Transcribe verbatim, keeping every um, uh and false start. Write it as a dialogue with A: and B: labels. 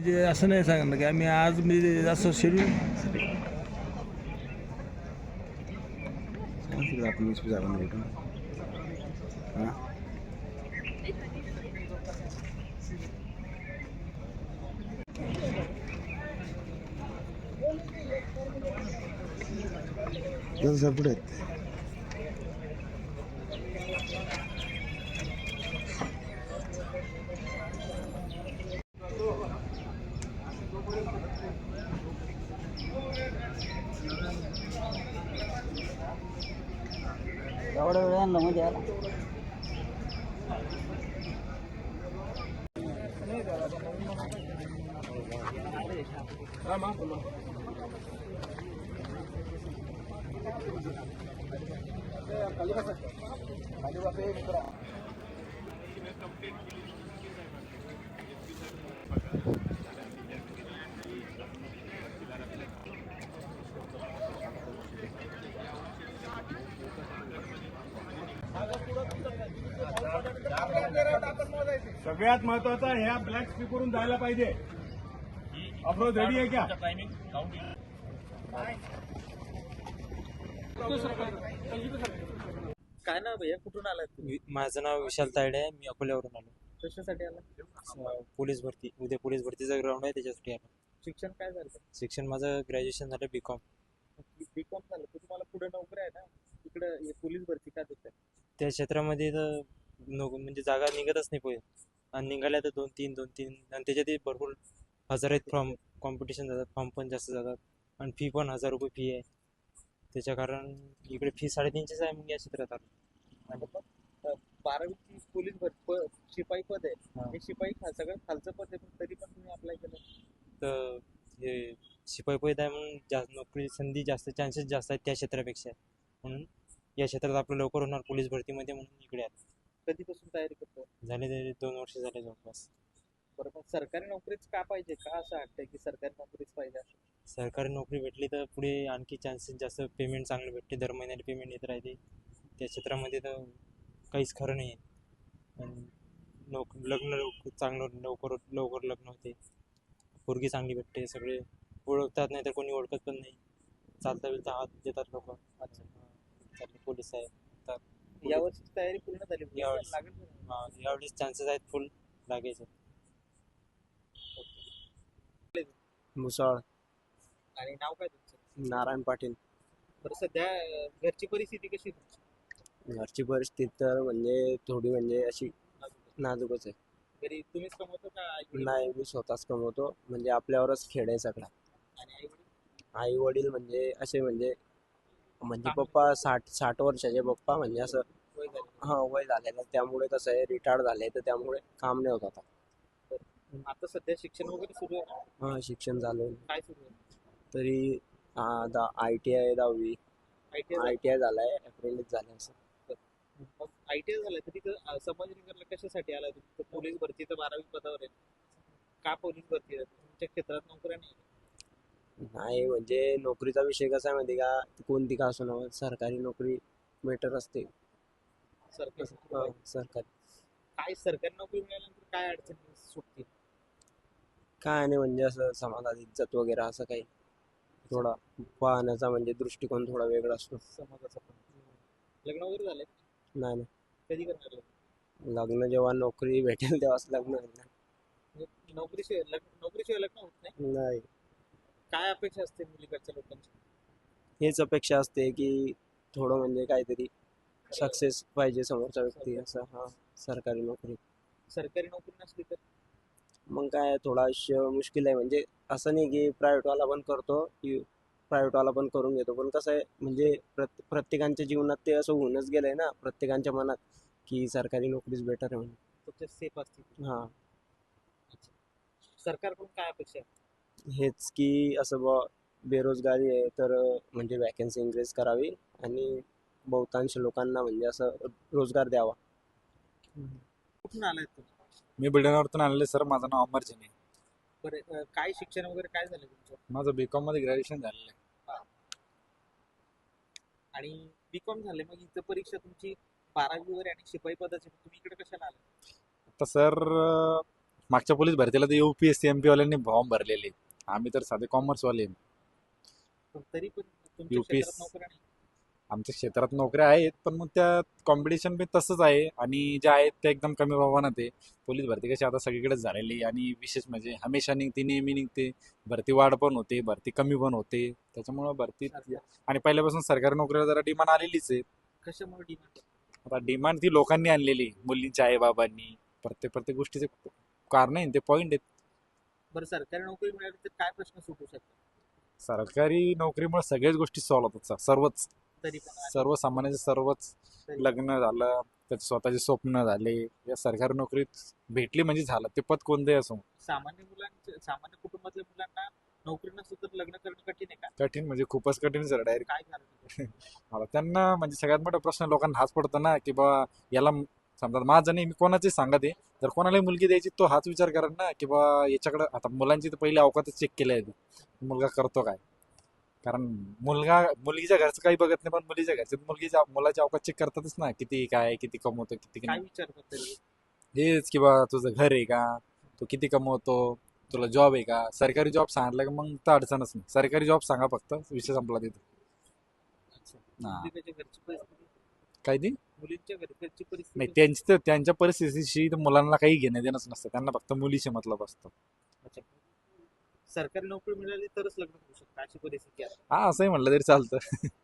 A: म्हणजे असं नाही सांगणार की आम्ही आज म्हणजे असं शेड्यूल
B: आपण वीस जागा भेटून हां जसं पुढे आहेत.
C: एवढ्या वेळानं मध्ये आला
D: सगळ्यात महत्वाचा ह्या ब्लॅक स्पीकरून जायला पाहिजे. अप्रोच रेडी आहे क्या?
C: काय ना भैया, कुठून आलाय तुम्ही?
E: माझं नाव विशाल तायडे आहे. मी अकोल्यावरून आलो.
C: कशासाठी आला?
E: अं, पोलीस भरती, उद्या पोलीस भरतीचा ग्राउंड आहे, त्याच्यासाठी आलो.
C: शिक्षण काय झालं?
E: शिक्षण माझं ग्रॅज्युएशन झालं बी कॉम.
C: बी कॉम झालं तर तुम्हाला पुढे नोकरी आहे ना, इकडे पोलीस भरती का देतात?
E: त्या क्षेत्रामध्ये तर नको म्हणजे जागा निघतच नाही पहिले, आणि निघाल्या तर दोन तीन दोन तीन आणि त्याच्यात भरपूर हजार आहेत फॉर्म, कॉम्पिटिशन जातात, फॉर्म पण जास्त जातात, आणि फी पण हजार रुपये फी आहे. त्याच्या कारण इकडे फी साडेतीनशेच आहे, मग या क्षेत्रात आलो.
C: आणि मग अ, बारावीची पोलीस भरती प- शिपाई पद आहे.
E: हा.
C: हे शिपाई खा सगळं खालचं पद आहे, पण तरी पण तुम्ही अप्लाय केलं.
E: तर हे शिपाई पैद आहे म्हणून जास्त नोकरी संधी जास्त, चान्सेस जास्त आहेत त्या क्षेत्रापेक्षा, म्हणून या क्षेत्रात आपलं लवकर होणार पोलीस भरतीमध्ये, म्हणून इकडे आलो.
C: कधीपासून तयारी करतो?
E: झाले तरी दोन वर्ष झाले जवळपास.
C: बरं, मग सरकारी नोकरीच का पाहिजे? का असं वाटतंय की सरकारी नोकरीच पाहिजे असं?
E: सरकारी नोकरी भेटली तर पुढे आणखी चान्सेस जास्त, पेमेंट चांगलं भेटते, दर महिन्याला पेमेंट येत राहते. त्या क्षेत्रामध्ये तर काहीच खरं नाही आहे. आणि नोक लग्न लवकर चांगलं लवकर लवकर लग्न होते, पोरगी चांगली भेटते, सगळे ओळखतात, नाही तर कोणी ओळखत पण नाही. चालता बिलता हात देतात लोक. अच्छा, चालले पोलीस आहे तर
C: यावर्षी तयारी पूर्ण झाली म्हणजे
E: यावेळेस.
C: लागेल का?
E: हा, यावेळेस चान्सेस आहेत फुल लागायचे.
B: मुसाळ
C: आणि नाव काय तुमचं?
B: नारायण पाटील.
C: बरं, सध्या अ, घरची परिस्थिती कशी आहे तुमची?
B: घरची परिस्थिती तर म्हणजे थोडी म्हणजे अशी
C: नाजूक.
B: नाजूकच आहे.
C: घरी तुम्हीच कमवतो का आई-वडील?
B: नाही, मी स्वतःच कमवतो, म्हणजे आपल्यावरच खेळ आहे सगळा.
C: आणि आई-वडील?
B: आई वडील म्हणजे असे म्हणजे म्हणजे
C: काम
B: पप्पा साठ साठ वर्षाचे पप्पा, म्हणजे असं
C: वय झालं.
B: हा वय झालेलं, त्यामुळे कसं आहे रिटायर्ड झाले, तर त्यामुळे काम नाही होत आता.
C: आता सध्या शिक्षण वगैरे सुरू आहे ना?
B: हा, शिक्षण झालं
C: काय सुरू आहे?
B: तरी आय टी आय दहावी
C: I T
B: I T I झालाय, अप्रेंटिस झालं असं.
C: मग आय टी आय झालं तर तिथं अ, संभाजीनगरला कशासाठी आला तुम्ही? पोलीस भरती तर बारावी पदावर आहे. का पोलीस भरती आहे? तुमच्या क्षेत्रात नोकऱ्या नाही आहे.
B: नाही म्हणजे नोकरीचा विषय कसा आहे माहिती का, कोणती का असो ना, सरकारी नोकरी बेटर असते.
C: सरकारी
B: हा, सरकारी
C: काय सरकारी नोकरी मिळाल्यानंतर काय अडचणी सुटतील?
B: काय नाही, म्हणजे असं समाजात इज्जत वगैरे असं काही थोडा पाहण्याचा म्हणजे दृष्टिकोन थोडा वेगळा असतो.
C: समाजाचं पण. लग्न वगैरे झालंय?
B: नाही नाही,
C: कधी करणार लग्न?
B: लग्न जेव्हा नोकरी भेटेल तेव्हाच लग्न होईल ना.
C: म्हणजे नोकरीशिवाय लग्न नोकरीशिवाय लग्न होत नाही?
B: नाही,
C: काय अपेक्षा असते मुलीकडच्या लोकांची?
B: हेच अपेक्षा असते की थोडं म्हणजे काहीतरी सक्सेस पाहिजे समोरचा व्यक्ती, असं. हा, सरकारी नोकरी.
C: सरकारी नोकरी नसली तर?
B: मग काय थोडं आयुष्य मुश्किल आहे, म्हणजे असं नाही की प्रायव्हेटवाला पण करतो की प्रायव्हेटवाला पण करून घेतो, पण कसं आहे म्हणजे प्रत प्रत्येकांच्या जीवनात ते असं होऊनच गेलंय ना, प्रत्येकांच्या मनात की सरकारी नोकरीच बेटर आहे म्हणून.
C: तुमच्या सेफ असतील.
B: हां,
C: सरकारकडून काय अपेक्षा आहे?
B: हेच की असं ब बेरोजगारी आहे तर म्हणजे वॅकन्सी इन्क्रीज करावी, आणि बहुतांश लोकांना म्हणजे असं रोजगार द्यावा.
C: कुठून आलाय तुम्ही?
F: मी बुलढाण्यावरून आलेले सर. माझं नाव अमर जैन आहे.
C: बरं, अ, काय शिक्षण वगैरे काय झालं तुमचं?
F: माझं बी कॉम मध्ये ग्रॅज्युएशन झालेलं आहे.
C: आणि बी कॉम झाले, मग इथं परीक्षा तुमची बारावी वगैरे आणि शिपाई पदाची, तुम्ही इकडे कशाला आले?
F: आता सर मागच्या पोलीस भरतीला तर युपीएससी एमपी वाल्यांनी फॉर्म भरलेले आम्ही तर साधे कॉमर्स वाले आहे.
C: पण तरी पण तुमच्या
F: UPS
C: क्षेत्रात नोकऱ्या नाही.
F: आमच्या क्षेत्रात नोकऱ्या आहेत पण मग त्या कॉम्पिटिशन पण तसंच आहे आणि ज्या आहेत त्या एकदम कमी प्रमाणात आहे. पोलीस भरती कशी आता सगळीकडेच झालेली आहे आणि विशेष म्हणजे हमेशा निघते नेहमी निघते. भरती वाढ पण होते भरती कमी पण होते त्याच्यामुळं भरती आणि पहिल्यापासून सरकारी नोकरीला जरा डिमांड आलेलीच आहे.
C: कशामुळे डिमांड
F: आता डिमांड ती लोकांनी आणलेली मुलींच्या आईबाबांनी प्रत्येक प्रत्येक गोष्टीचे कारण आहे ते पॉईंट आहेत.
C: बरं सरकारी नोकरी मिळाली तर काय प्रश्न सुटू शकतात
F: सरकारी नोकरीमुळे सगळ्याच गोष्टी सॉल्व्ह होतात सर. सर्वच
C: तरी पण
F: सर्वसामान्याचे सर्वच
C: तरी
F: लग्न झालं त्याचे स्वतःचे स्वप्न झाले या सरकारी नोकरीत भेटली म्हणजे झालं ते पद कोणतंही असो.
C: सामान्य मुलांच्या सामान्य कुटुंबातल्या मुलांना नोकरी नसतं तर लग्न करणं कठीण आहे का?
F: कठीण म्हणजे खूपच कठीण सर डायरेक्ट.
C: काय कारण आहे?
F: मला त्यांना म्हणजे सगळ्यात मोठा प्रश्न लोकांना हाच पडतो ना की बा याला म- समजा माझं नाही मी कोणाचे सांगत आहे जर कोणालाही मुलगी द्यायची तो हाच विचार करा ना की बा याच्याकडे आता मुलांची तर पहिले अवकातच चेक केलं आहे मुलगा करतो काय. कारण मुलगा मुलगीच्या घरचं काही बघत नाही पण मुलीच्या घरचे मुलगीच्या मुलाच्या अवकात चेक करतातच ना किती काय किती कमवतो किती
C: काय
F: नाही.
C: विचारतात तरी?
F: हेच की बा तुझं घर आहे का तू किती कमवतो तुला जॉब आहे का. सरकारी जॉब सांगितलं का मग तर अडचणच नाही. सरकारी जॉब सांगा फक्त विषय संपला तिथे.
C: अच्छा.
F: हा.
C: मुलीच्या घरची परिस्थिती
F: काय ती
C: मुलींच्या घरी- घरची
F: नाही
C: परिस्थिती
F: त्यांची तर त्यांच्या परिस्थितीशी तर मुलांना काही घेणं देणंच नसतं त्यांना फक्त मुलीशी मतलब असतं.
C: अच्छा. सरकारी नोकरी मिळाली तरच लग्न होऊ शकतं अशी परिस्थिती आहे.
F: हा असंही म्हणलं तरी चालतं.